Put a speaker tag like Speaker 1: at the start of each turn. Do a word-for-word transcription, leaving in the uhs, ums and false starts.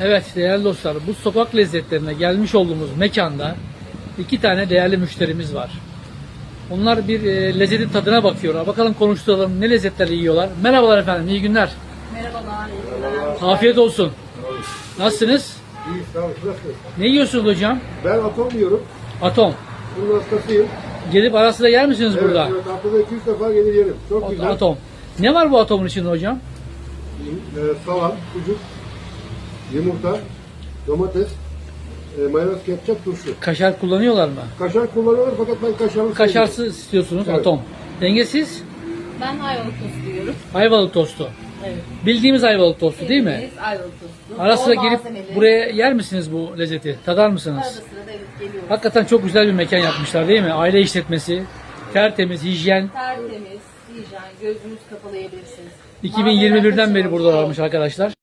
Speaker 1: Evet değerli dostlar, bu sokak lezzetlerine gelmiş olduğumuz mekanda iki tane değerli müşterimiz var. Onlar bir e, lezzetin tadına bakıyorlar. Bakalım konuşturalım, ne lezzetleri yiyorlar. Merhabalar efendim, iyi günler.
Speaker 2: Merhabalar, iyi günler.
Speaker 1: Afiyet olsun. Nasılsınız?
Speaker 3: İyi, sağ olun. Nasılsınız?
Speaker 1: Ne yiyorsunuz hocam?
Speaker 3: Ben atom yiyorum.
Speaker 1: Atom.
Speaker 3: Bunun hastasıyım.
Speaker 1: Gelip ara sıra yer misiniz
Speaker 3: Evet,
Speaker 1: burada?
Speaker 3: evet. Haftada iki üç defa gelir yerim. Çok güzel.
Speaker 1: Atom. Ne var bu atomun içinde hocam?
Speaker 3: Ee, salam, sucuk, yumurta, domates, e, mayonez, ketçap, turşu.
Speaker 1: Kaşar kullanıyorlar mı?
Speaker 3: Kaşar kullanılır fakat ben kaşarlı sevmiyorum.
Speaker 1: Kaşarsız istiyorsunuz,
Speaker 3: Evet.
Speaker 1: atom. Dengesiz?
Speaker 2: Ben ayvalık tostu yiyorum.
Speaker 1: Ayvalık tostu.
Speaker 2: Evet.
Speaker 1: Bildiğimiz ayvalık tostu değil mi?
Speaker 2: Bildiğiniz ayvalık tostu.
Speaker 1: Ara sıra
Speaker 2: Bol
Speaker 1: gelip
Speaker 2: malzemeli.
Speaker 1: buraya yer misiniz bu lezzeti? Tadar mısınız?
Speaker 2: Arada sırada evet geliyoruz.
Speaker 1: Hakikaten çok güzel bir mekan yapmışlar değil mi? Aile işletmesi, tertemiz, hijyen.
Speaker 2: Tertemiz, hijyen, gözünüz kapalı yiyebilirsiniz.
Speaker 1: iki bin yirmi birden
Speaker 2: Malzemeler
Speaker 1: beri
Speaker 2: kaçırmamış.
Speaker 1: burada varmış arkadaşlar.